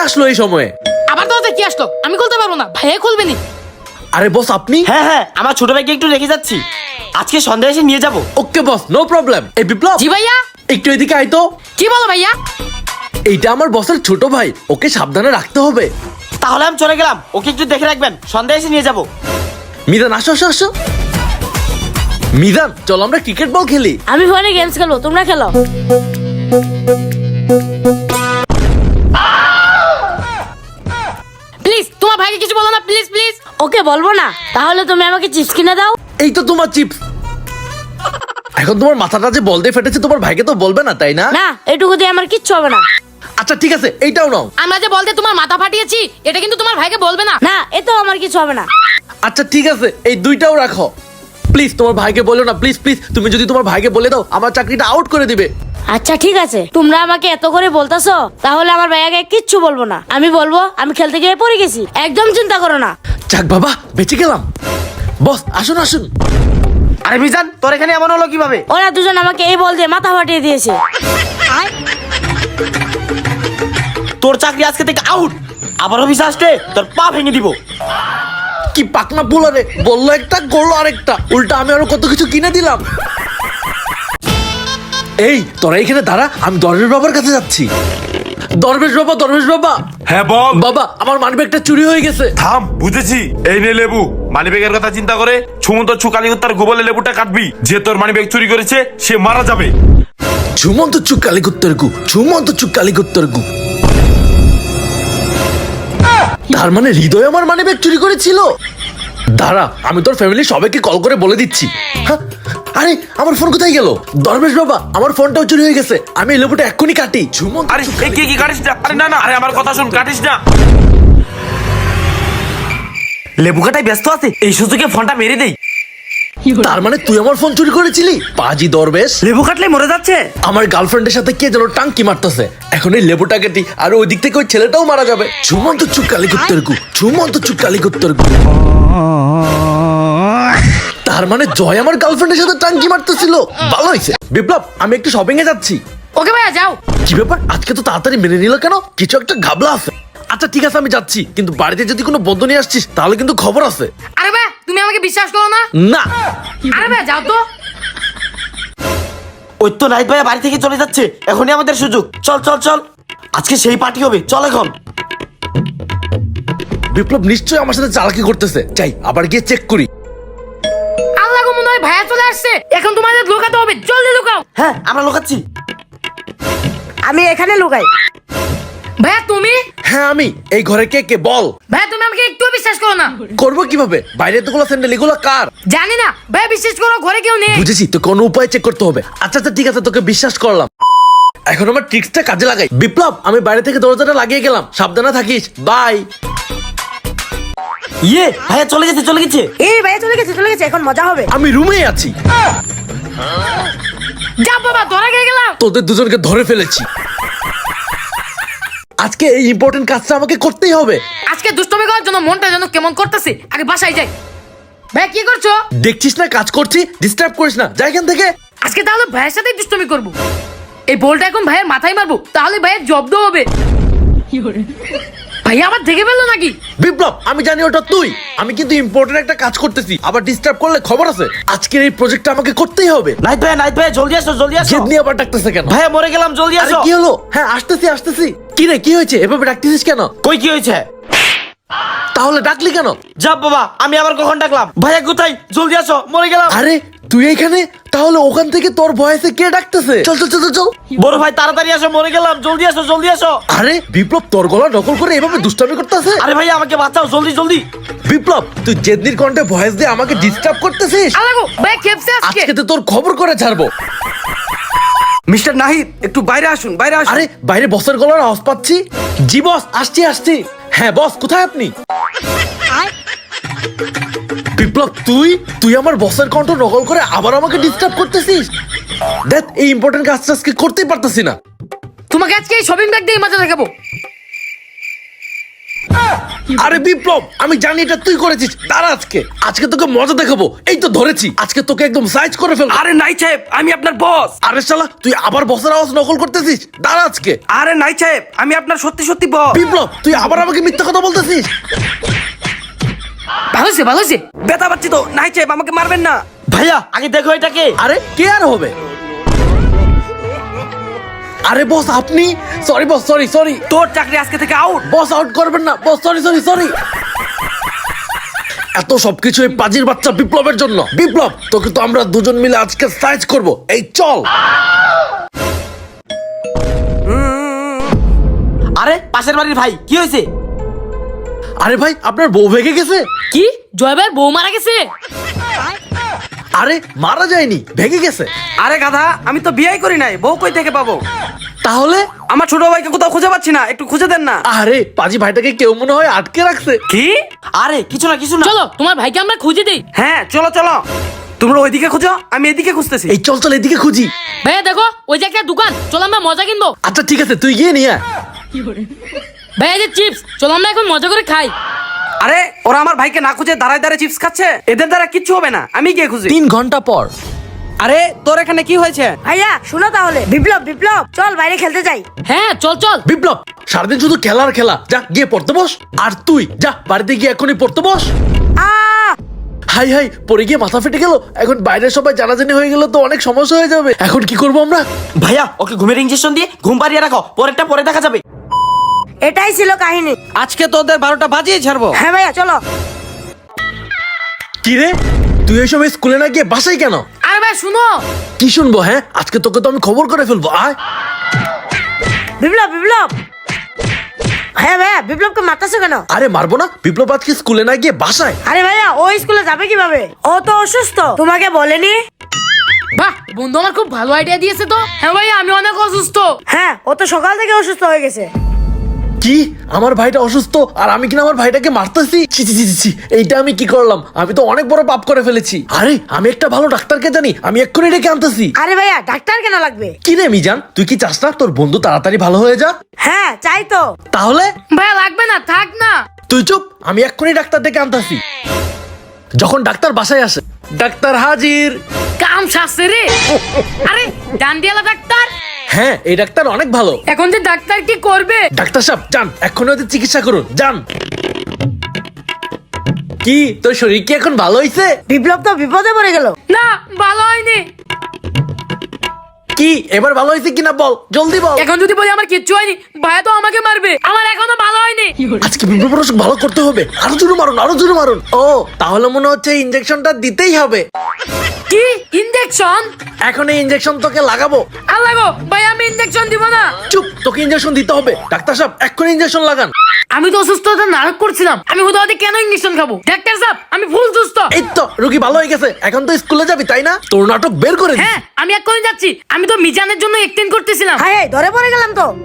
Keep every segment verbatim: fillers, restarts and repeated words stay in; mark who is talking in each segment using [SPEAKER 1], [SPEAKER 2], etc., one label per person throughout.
[SPEAKER 1] আসলো এই সময়ে?
[SPEAKER 2] আবার দরজা কি আসলো? আমি খুলতে পারবো না, ভাইয়া খুলবে নি।
[SPEAKER 1] আরে বস আপনি?
[SPEAKER 3] হ্যাঁ হ্যাঁ আমার ছোট ভাইকে একটু রেখে যাচ্ছি, আজকে সন্ধ্যায় এসে নিয়ে যাবো।
[SPEAKER 1] Okay boss, no problem. এই বিপ্লব,
[SPEAKER 2] জি ভাইয়া।
[SPEAKER 1] একটু এদিকে আয় তো।
[SPEAKER 2] কি বলো ভাইয়া?
[SPEAKER 1] এইটা আমার বসের ছোট ভাই, ওকে সাবধানে রাখতে হবে।
[SPEAKER 3] তাহলে আমি চলে গেলাম, ওকে একটু দেখে রাখবেন, সন্ধ্যায় এসে নিয়ে যাবো।
[SPEAKER 1] মিজান আসো আসো আসো। মিজান চল আমরা ক্রিকেট বল খেলি।
[SPEAKER 4] আমি ফোনে গেমস খেলবো, তোমরা খেলো।
[SPEAKER 2] প্লিজ তোমার ভাইকে কিছু বলো না, প্লিজ প্লিজ।
[SPEAKER 4] ওকে বলবো না, তাহলে তুমি আমাকে চিপস কিনে দাও।
[SPEAKER 1] এই তো তোমার চিপস। এখন তোমার মাথাটা যে বল দিয়ে ফেটেছে, তোমার ভাইকে তো বলবে না তাই না?
[SPEAKER 4] না, এটুকু দিয়ে আমার কিচ্ছু হবে না।
[SPEAKER 1] আচ্ছা ঠিক আছে, এইটাও নাও।
[SPEAKER 2] আমরা যে বলতে তোমার মাথা ফাটিয়েছি, এটা কিন্তু তোমার ভাইকে বলবে না।
[SPEAKER 4] না, এতেও আমার কিছু হবে না।
[SPEAKER 1] আচ্ছা ঠিক আছে, এই দুইটাও রাখো। প্লিজ তোমার ভাইকে বলো না, প্লিজ প্লিজ। তুমি যদি তোমার ভাইকে বলে দাও, আমার চাকরিটা আউট করে দিবে।
[SPEAKER 4] আচ্ছা ঠিক আছে, তোমরা আমাকে এত করে বলতাছো, তাহলে আমার ভাইয়াকে কিচ্ছু বলবো না। আমি বলবো আমি খেলতে গিয়ে পড়ে গেছি, একদম চিন্তা করো না।
[SPEAKER 1] যাক বাবা, বেঁচে গেলাম। বস আসুন আসুন।
[SPEAKER 3] আরে মিজান, তোর এখানে এমন হলো কিভাবে?
[SPEAKER 4] ওরা দুজন আমাকে এই বল দিয়ে মাথা ফাটিয়ে দিয়েছে।
[SPEAKER 3] তোর চাকরি আজকে থেকে আউট। আবার অফিসে আসলে তোর পা ভেঙে দিব।
[SPEAKER 1] কি পাকনা পোলারে, বললো একটা করলো আরেকটা, উল্টা আমি আরো কত কিছু কিনে দিলাম। এই তোরা এখানে দাঁড়া, আমি দরবেশ বাবার কাছে যাচ্ছি। দরবেশ বাবা, দরবেশ বাবা।
[SPEAKER 5] হ্যাঁ বল।
[SPEAKER 1] বাবা আমার মানিব্যাগটা চুরি হয়ে গেছে।
[SPEAKER 5] থাম, বুঝেছি। এই নে লেবু। মানিব্যাগের কথা চিন্তা করে সুমন্ত চুকালি তার গোবলে লেবুটা কাটবি। যে তোর মানিব্যাগ চুরি করেছে সে মারা যাবে।
[SPEAKER 1] ঝুমন্ত চুক কালিগুত্তর গু, ঝুমন্ত চুক কালিগুত্তর গু। তার মানে হৃদয় আমার মানিব্যাগ চুরি করেছিল। দাঁড়া, আমি তোর ফ্যামিলি সবাইকে কল করে বলে দিচ্ছি। হ্যাঁ, আরে আমার ফোন কোথায় গেল? দরবেশ বাবা, আমার ফোনটাও চুরি হয়ে গেছে। আমি এই লেবুটা এক্ষুনি কাটি। ঝুমন্ত
[SPEAKER 5] আরে
[SPEAKER 1] চুক
[SPEAKER 5] এই কি কি কাটিস না? আরে না না, আরে আমার কথা শুন, কাটিস না।
[SPEAKER 3] লেবু কাটায় ব্যস্ত আছে, এই সুযোগে ফোনটা মেরে দেই।
[SPEAKER 1] তার মানে তুই আমার ফোন চুরি করেছিলি? পাজি দরবেশ।
[SPEAKER 3] লেবু কাটলে মরে যাচ্ছে।
[SPEAKER 1] আমার গার্লফ্রেন্ডের সাথে কে যেন টাঙ্কি মারতেছে। এখন এই লেবুটা কেটি, আর ওই দিক থেকে ওই ছেলেটাও মারা যাবে। ঝুমন্ত চুক কালিগুত্তর গু, ঝুমন্ত চুক কালিগুত্তর গু। তার মানে জয় আমার গার্লফ্রেন্ডের সাথে টাঙ্কি মারতেছিল। ভালো হয়েছে। বিপ্লব, আমি একটু শপিং এ যাচ্ছি।
[SPEAKER 2] ওকে ভাইয়া যাও।
[SPEAKER 1] কি ব্যাপার, আজকে তো তাড়াতাড়ি মেনে নিল কেন? কিছু একটা ঘাবলা আছে। আচ্ছা ঠিক আছে, আমি যাচ্ছি, কিন্তু বাড়িতে যদি কোনো বন্ধু নিয়ে আসছিস তাহলে কিন্তু খবর আছে।
[SPEAKER 2] আরে ভাই তুমি আমাকে বিশ্বাস করো না?
[SPEAKER 1] না।
[SPEAKER 2] আরে ভাই যাও তো।
[SPEAKER 3] ওই তো নাইট ভাইয়া বাড়ি থেকে চলে যাচ্ছে, এখনই আমাদের সুযোগ। চল চল চল, আজকে সেই পার্টি হবে, চল এখন।
[SPEAKER 1] বিপ্লব নিশ্চয়ই আমার সাথে চালাকি করতেছে, চাই আবার গিয়ে চেক করি।
[SPEAKER 2] আল্লাহ গো, মনে হয় ভাইয়া চলে আসছে। এখন তোমাদের লুকাতে হবে, জলদি লুকাও।
[SPEAKER 3] হ্যাঁ আমরা লোকাচ্ছি।
[SPEAKER 4] আমি এখানে লুকাই।
[SPEAKER 2] ভাইয়া তুমি?
[SPEAKER 1] হ্যাঁ আমি। এই ঘরে কে কে বল?
[SPEAKER 2] ভাইয়া তুমি আমাকে একটু বিশ্বাস করো না?
[SPEAKER 1] করবো কিভাবে? বাইরে এতগুলো স্যান্ডেল, এগুলো কার?
[SPEAKER 2] জানি না ভাইয়া, বিশ্বাস করো, ঘরে কেউ নেই।
[SPEAKER 1] বুঝেছি, তো কোনো উপায় চেক করতে হবে। আচ্ছা আচ্ছা ঠিক আছে, তোকে বিশ্বাস করলাম। এখন আমার ট্রিক্সটা কাজে লাগাই। বিপ্লব, আমি বাইরে থেকে দরজাটা লাগিয়ে গেলাম, সাবধানে থাকিস। বাই।
[SPEAKER 3] ইয়ে ভাইয়া চলে গেছে চলে গেছে।
[SPEAKER 4] এই ভাইয়া চলে গেছে চলে গেছে, এখন মজা হবে।
[SPEAKER 1] আমি রুমে আছি।
[SPEAKER 2] যা বাবা, ধরা খেয়ে গেলাম।
[SPEAKER 1] তোদের দুজনকে ধরে ফেলেছি। আজকে এই ইম্পর্টেন্ট কাজটা আমাকে করতেই হবে।
[SPEAKER 2] আজকে দুষ্টমি করার জন্য মনটা যেন কেমন করতেছে। আগে বাসায় যাই। ভাই কি করছো?
[SPEAKER 1] দেখছিস না কাজ করছি, ডিস্টার্ব করিস না, যাই এখান থেকে।
[SPEAKER 2] আজকে তাহলে ভাইয়ের সাথে দুষ্টমি করবো। এই বলটা এখন ভাইয়ের মাথায় মারবো, তাহলে ভাইয়ের জব্দ হবে। ভাইয়া আবার দেখে ফেললো নাকি?
[SPEAKER 1] বিপ্লব, আমি জানি ওটা তুই। আমি কিন্তু ইম্পর্টেন্ট একটা কাজ করতেছি, আবার ডিস্টার্ব করলে খবর আছে। আজকের এই প্রজেক্টটা আমাকে করতেই হবে।
[SPEAKER 3] নাইট ভাইয়া নাইট ভাইয়া জলদি আসো জলদি আসো।
[SPEAKER 1] জেদ নিয়ে আবার ডাকতেছে কেন?
[SPEAKER 3] ভাইয়া মরে গেলাম, জলদি
[SPEAKER 1] আরে
[SPEAKER 3] আসো।
[SPEAKER 1] কি হলো? হ্যাঁ আসতেছি আসতেছি। কি রে, কি হয়েছে? এভাবে ডাকতেছিস কেন?
[SPEAKER 3] কই কি হয়েছে?
[SPEAKER 1] তাহলে ডাকলি কেন?
[SPEAKER 3] যা বাবা, আমি আবার কখন ডাকলাম? ভাইয়া কোথায়? জলদি আসো, মরে গেলাম।
[SPEAKER 1] আরে তুই এখানে? তাহলে ওখান থেকে তোর ভয়েসে কে ডাকতেছে? চল চল চল চল, চল।
[SPEAKER 3] বড় ভাই তাড়াতাড়ি আসো, মরে গেলাম, জলদি আসো জলদি আসো।
[SPEAKER 1] আরে বিপ্লব, তোর গলা নকল করে এভাবে দুষ্টামি করতেছে?
[SPEAKER 3] আরে ভাইয়া আমাকে বাঁচাও, জলদি জলদি।
[SPEAKER 1] বিপ্লব, তুই জেদনির কণ্ঠে ভয়েস দিয়ে আমাকে ডিস্টার্ব করতেছিস।
[SPEAKER 2] আল্লাহ গো, ভাই খেপছে আজকে।
[SPEAKER 1] আজকে তো তোর খবর করে ছাড়বো।
[SPEAKER 6] মিস্টার নাহিদ, একটু বাইরে আসুন, বাইরে আসুন।
[SPEAKER 1] আরে বাইরে বসের গলার আওয়াজ পাচ্ছি। জি বস, আসছি আসছি। হ্যাঁ বস, কোথায় আপনি? বিপ্লব, তুই তুই আমার বসের কণ্ঠ নকল করে আবার আমাকে ডিস্টার্ব করতেছিস। দেখ, এই ইম্পর্টেন্ট কাজটা আজকে করতেই পারতেছি না।
[SPEAKER 2] তোমাকে আজকে এই শপিং ব্যাগ দিয়ে মজা দেখাবো।
[SPEAKER 1] আরে বিপ্লব, আমি জানি এটা তুই করেছিস। দাঁড়া, আজকে আজকে তোকে মজা দেখাবো। এই তো ধরেছি, আজকে তোকে একদম সাইজ করে ফেলবো।
[SPEAKER 6] আরে নাই সাহেব, আমি আপনার বস।
[SPEAKER 1] আরে শালা, তুই আবার বসের আওয়াজ নকল করতেছিস। দাঁড়া আজকে।
[SPEAKER 6] আরে নাই সাহেব, আমি আপনার সত্যি সত্যি বস।
[SPEAKER 1] বিপ্লব, তুই আবার আমাকে মিথ্যা কথা বলতেছিস।
[SPEAKER 2] ভালো হয়েছে, ভালো হয়েছে।
[SPEAKER 6] ব্যথা পাচ্ছি তো। নাই সাহেব, আমাকে মারবেন না।
[SPEAKER 3] ভাইয়া আগে দেখো এটাকে।
[SPEAKER 1] আরে কে আর হবে? আরে বস, আপনি? Sorry boss, sorry sorry.
[SPEAKER 6] তোর চাকরি আজকে থেকে আউট।
[SPEAKER 1] বস, আউট করবেন না বস, সরি সরি সরি। এত সবকিছু এই পাজির বাচ্চা বিপ্লবের জন্য। বিপ্লব, তোকে তো আমরা দুজন মিলে আজকে সাইজ করব। এই চল।
[SPEAKER 3] আরে পাশের বাড়ির ভাই, কি হয়েছে?
[SPEAKER 1] আরে ভাই, আপনার বউ ভেগে গেছে।
[SPEAKER 2] কি জয় ভাইয়ের বউ মারা গেছে?
[SPEAKER 1] আরে মারা যায়নি, ভেগে গেছে।
[SPEAKER 6] আরে গাধা, আমি তো বিয়ে করি নাই, বউ কই থেকে পাবো?
[SPEAKER 1] তাহলে?
[SPEAKER 6] আমার ছোট ভাইকে কোথাও খুঁজে পাচ্ছি না, একটু খুঁজে দেন না।
[SPEAKER 1] আরে পাজি ভাইটাকে কেউ মনে হয় আটকে রাখছে।
[SPEAKER 6] কি?
[SPEAKER 3] আরে কিছু না কিছু না।
[SPEAKER 2] চলো তোমার ভাইকে আমরা খুঁজে দিই।
[SPEAKER 6] হ্যাঁ চলো চলো, তোমরা ওইদিকে খুঁজো, আমি এদিকে খুঁজতেছি।
[SPEAKER 1] এই চল চল, এদিকে খুঁজি।
[SPEAKER 2] ভাইয়া দেখো, ওই যে একটা দোকান, চলো আমরা মজা কিনবো।
[SPEAKER 1] আচ্ছা ঠিক আছে, তুই গিয়ে নিয়ে আয়।
[SPEAKER 2] ভাইয়া যে চিপস, চলো আমরা এখন মজা করে খাই।
[SPEAKER 6] আরে ওরা আমার ভাইকে না খুঁজে দাঁড়ায় দাঁড়ায় চিপস খাচ্ছে, এদের দ্বারা কিচ্ছু হবে না, আমি গিয়ে খুঁজি।
[SPEAKER 1] তিন ঘন্টা পর।
[SPEAKER 6] আরে তোর এখানে কি হয়েছে?
[SPEAKER 4] ভাইয়া শুনো তাহলে, বিপ্লব বিপ্লব চল বাইরে খেলতে যাই।
[SPEAKER 2] হ্যাঁ চল চল।
[SPEAKER 1] বিপ্লব, সারাদিন শুধু খেলার খেলা। যা গিয়ে পড়তে বস। আর তুই যা বাড়িতে গিয়ে এখনই পড়তে বস।
[SPEAKER 4] আহ
[SPEAKER 1] হাই হাই, পড়ে গিয়ে মাথা ফেটে গেল। এখন বাইরে সবাই জানাজানি হয়ে গেল তো অনেক সমস্যা হয়ে যাবে। এখন কি করবো আমরা?
[SPEAKER 3] ভাইয়া ওকে ঘুমের ইঞ্জেকশন দিয়ে ঘুম পাড়িয়ে রাখো, পরেরটা পরে দেখা যাবে।
[SPEAKER 4] এটাই ছিল কাহিনী।
[SPEAKER 6] আজকে তোদের বারোটা বাজিয়ে ছাড়বো।
[SPEAKER 4] হ্যাঁ ভাইয়া চলো।
[SPEAKER 1] কি রে, তুই এই সময় স্কুলে না গিয়ে বাসায় কেন?
[SPEAKER 2] আরে ভাই শুনো।
[SPEAKER 1] কি শুনবো? হ্যাঁ, আজকে তোকে তো আমি খবর করে ফেলবো। আয়।
[SPEAKER 4] বিপ্লব বিপ্লব হ্যাঁ ভাইয়া, বিপ্লবকে মারতেছো কেন?
[SPEAKER 1] আরে মারবো না, বিপ্লব আজকে স্কুলে না গিয়ে বাসায়।
[SPEAKER 4] আরে ভাইয়া ও স্কুলে যাবে কিভাবে? ও তো অসুস্থ, তোমাকে বলেনি?
[SPEAKER 2] বাহ, বন্ধু আমার খুব ভালো আইডিয়া দিয়েছে তো। হ্যাঁ ভাইয়া, আমি অনেক অসুস্থ।
[SPEAKER 4] হ্যাঁ ও তো সকাল থেকে অসুস্থ হয়ে গেছে।
[SPEAKER 1] কি, আমার ভাইটা অসুস্থ আর আমি কিনা আমার ভাইটাকে মারতেছি? ছি ছি ছি ছি, ছি, এইটা আমি কি করলাম? আমি তো অনেক বড় পাপ করে ফেলেছি। আরে আমি একটা ভালো ডাক্তারকে জানি, আমি এক্ষুনি ডেকে আনতেছি।
[SPEAKER 4] আরে ভাইয়া ডাক্তার কেন লাগবে?
[SPEAKER 1] কি রে মিজান, তুই কি চাস না তোর বন্ধু তাড়াতাড়ি ভালো হয়ে যা?
[SPEAKER 4] হ্যাঁ চাই তো।
[SPEAKER 1] তাহলে
[SPEAKER 2] ভাইয়া লাগবে না, থাক না।
[SPEAKER 1] তুই চুপ, আমি এক্ষুনি ডাক্তার ডেকে আনতেছি। যখন ডাক্তার বাসায় আসে, ডাক্তার হাজির।
[SPEAKER 2] কাম সারছে রে। আরে ডান্ডিয়ালা ডাক্তার।
[SPEAKER 1] হ্যাঁ, এই ডাক্তার অনেক ভালো।
[SPEAKER 2] এখন যে ডাক্তার কি করবে?
[SPEAKER 1] ডাক্তার সাহেব যান, এক্ষুনি ওদের চিকিৎসা করুন, যান। কি তোর শরীর কি এখন ভালো হয়েছে?
[SPEAKER 4] বিপ্লব তো বিপদে পড়ে গেল।
[SPEAKER 2] না, ভালো হয়নি।
[SPEAKER 1] কি এবার ভালো হয়েছে কিনা বল, জলদি বল।
[SPEAKER 2] এখন যদি বলি আমার কিচ্ছু হয়নি, ভাইয়া তো আমাকে মারবে। আমার এখনো ভালো হয়নি।
[SPEAKER 1] আজকে বিপ্লব অসুখ ভালো করতে হবে। আরো জোরে মারুন, আরো জোরে মারুন। ও তাহলে মনে হচ্ছে ইনজেকশনটা দিতেই হবে।
[SPEAKER 2] কি ইনজেকশন?
[SPEAKER 1] এখন এই ইনজেকশন তোকে লাগাবো।
[SPEAKER 2] আল্লাহ গো, ভাই আমি ইনজেকশন দিব না।
[SPEAKER 1] চুপ, তোকে ইনজেকশন দিতে হবে। ডাক্তার সাহেব এক্ষুনি ইনজেকশন লাগান।
[SPEAKER 2] আমি তো অসুস্থতা নাটক করছিলাম, আমি হুদাহুদি কেন ইনজেকশন খাবো? ডাক্তার সাহেব আমি ফুল সুস্থ।
[SPEAKER 1] এই তো রোগী ভালো হয়ে গেছে, এখন তো স্কুলে যাবি তাই না? তোর নাটক বের করে দিস।
[SPEAKER 2] হ্যাঁ আমি এক্ষুনি যাচ্ছি, আমি তো মিজানের জন্য এক্সটেন্ড করতেছিলাম।
[SPEAKER 4] হ্যাঁ এই, ধরে পড়ে গেলাম তো।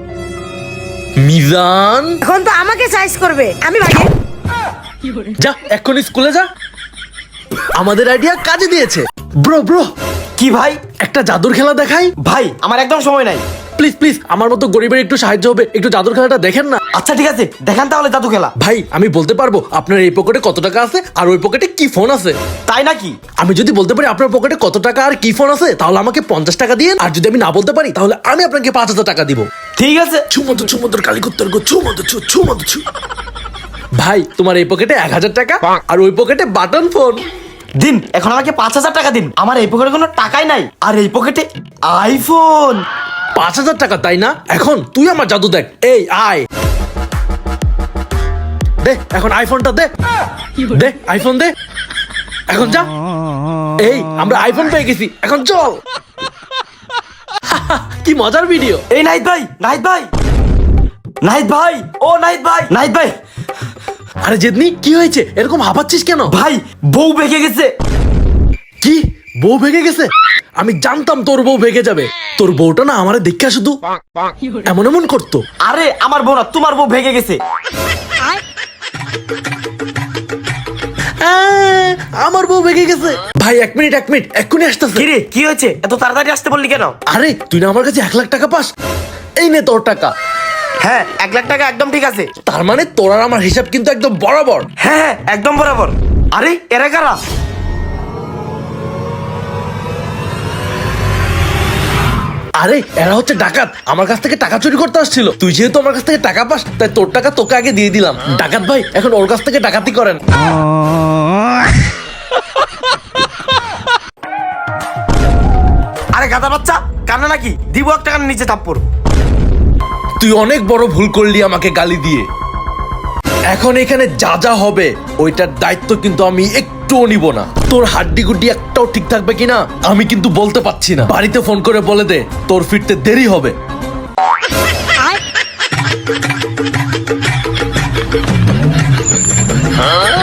[SPEAKER 1] মিজান
[SPEAKER 4] এখন তো আমাকে সাইজ করবে, আমি ভাগে।
[SPEAKER 1] যা এক্ষুনি স্কুলে যা। আমাদের আইডিয়া কাজে দিয়েছে। ব্রো ব্রো,
[SPEAKER 3] কি ভাই?
[SPEAKER 1] একটা জাদুর খেলা দেখাই।
[SPEAKER 3] ভাই আমার একদম সময় নাই।
[SPEAKER 1] প্লিজ প্লিজ, আমার মতো গরিবের একটু সাহায্য হবে, একটু জাদুর খেলাটা দেখেন না।
[SPEAKER 3] আচ্ছা ঠিক আছে, দেখান তাহলে জাদু খেলা।
[SPEAKER 1] ভাই আমি বলতে পারবো আপনার এই পকেটে কত টাকা আছে আর ওই পকেটে কি ফোন আছে।
[SPEAKER 3] তাই নাকি?
[SPEAKER 1] আমি যদি বলতে পারি আপনার পকেটে কত টাকা আর কি ফোন আছে, তাহলে আমাকে পঞ্চাশ টাকা দিয়ে। আর যদি আমি না বলতে পারি, তাহলে আমি আপনাকে পাঁচ হাজার টাকা দিব।
[SPEAKER 3] ঠিক আছে।
[SPEAKER 1] ছুমন্ত ছুমন্তর কালিকুত্তর গো, ছুমন্ত ছু ছুমন্ত ছু। ভাই তোমার এই পকেটে এক হাজার টাকা আর ওই পকেটে বাটন ফোন।
[SPEAKER 3] দিন, এখন আমাকে পাঁচ হাজার টাকা দিন। আমার এই পকেটে কোনো টাকাই নাই, আর এই পকেটে আইফোন।
[SPEAKER 1] পাঁচ হাজার টাকা তাই না? এখন তুই আমার জাদু দেখ। এই আয়, দে এখন আইফোনটা দে। দে আইফোন দে, এখন যা। এই আমরা আইফোন পেয়ে গেছি, এখন চল। কি মজার ভিডিও।
[SPEAKER 3] এই নাহিদ ভাই, নাহিদ ভাই, নাহিদ ভাই, ও নাহিদ ভাই, নাহিদ ভাই।
[SPEAKER 1] আরে জেদনি কি হয়েছে, এরকম হাঁপাচ্ছিস কেন?
[SPEAKER 3] ভাই বউ বেঁকে গেছে।
[SPEAKER 1] কি বউ ভেঙে গেছে? আমি জানতাম তোর বউ ভেঙে যাবে। তোর বউটা না আমারে দেখা শুধু এমন এমন করতো।
[SPEAKER 3] আরে আমার বউ না, তোমার বউ ভেঙে গেছে।
[SPEAKER 1] আহ, আমার বউ ভেঙে গেছে। ভাই এক মিনিট এক মিনিট এক্ষুনি আসতেছে।
[SPEAKER 3] কি রে, কি হয়েছে? এত তাড়াতাড়ি আসতে বললি কেন?
[SPEAKER 1] আরে তুই না আমার কাছে এক লাখ টাকা পাস, এই নে তোর টাকা।
[SPEAKER 3] হ্যাঁ এক লাখ টাকা একদম ঠিক আছে।
[SPEAKER 1] তার মানে তোর আর আমার হিসাব কিন্তু একদম বরাবর।
[SPEAKER 3] হ্যাঁ হ্যাঁ একদম বরাবর। আরে এরা কারা?
[SPEAKER 1] আরে এরা হচ্ছে ডাকাত, আমার কাছ থেকে টাকা চুরি করতে আসছিল। তুই যেহেতু আমার কাছ থেকে টাকা পাস, তাই তোর টাকা তোকে আগে দিয়ে দিলাম। ডাকাত ভাই এখন ওর কাছ থেকে ডাকাতি করেন।
[SPEAKER 3] আরে গাদা বাচ্চা, কান্না নাকি? দিব একটা কান নিচে থাপ্পড়।
[SPEAKER 1] তুই অনেক বড় ভুল করলি আমাকে গালি দিয়ে। এখন এখানে যা যা হবে ওইটার দায়িত্ব কিন্তু আমি একটুও নিব না। তোর হাড্ডি গুড্ডি একটাও ঠিক থাকবে কিনা আমি কিন্তু বলতে পারছি না। বাড়িতে ফোন করে বলে দে তোর ফিরতে দেরি হবে।
[SPEAKER 4] আর